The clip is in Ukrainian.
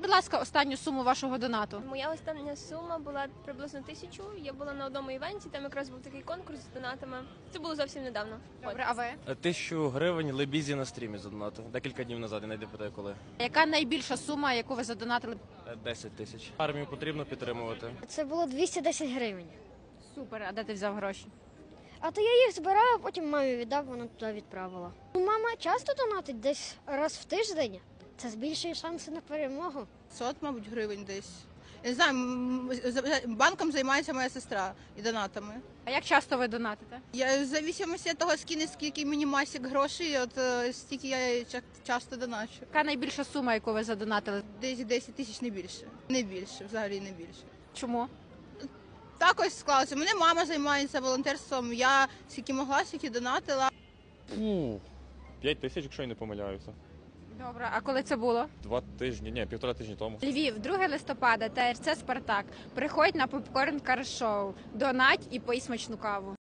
будь ласка, останню суму вашого донату. Моя остання сума була приблизно 1000. Я була на одному івенті, там якраз був такий конкурс з донатами. Це було зовсім недавно. Добре, а ви? 1000 гривень Лебізі на стрімі задонатив. Декілька днів назад, я не питаю коли. Яка найбільша сума, яку ви задонатили? 10 тисяч. Армію потрібно підтримувати. Це було 210 гривень. Супер, а де ти взяв гроші? А то я їх збирав, а потім мамі віддав, вона туди відправила. Мама часто донатить десь раз в тиждень. Це збільшує шанси на перемогу. 500, мабуть, гривень десь. Я не знаю, банком займається моя сестра і донатами. А як часто ви донатите? Я в зависимості від того, скільки мені масік грошей, от стільки я часто доначу. Яка найбільша сума, яку ви задонатили? Десь 10 тисяч, не більше. Не більше, взагалі не більше. Чому? Так ось склалося. Мене мама займається волонтерством, я скільки могла, скільки донатила. 5 тисяч, якщо я не помиляюся. Добре, а коли це було? 2 тижні, ні, 1,5 тижні тому. Львів, 2 листопада, ТРЦ «Спартак». Приходь на попкорн кар-шоу, донать і пий смачну каву.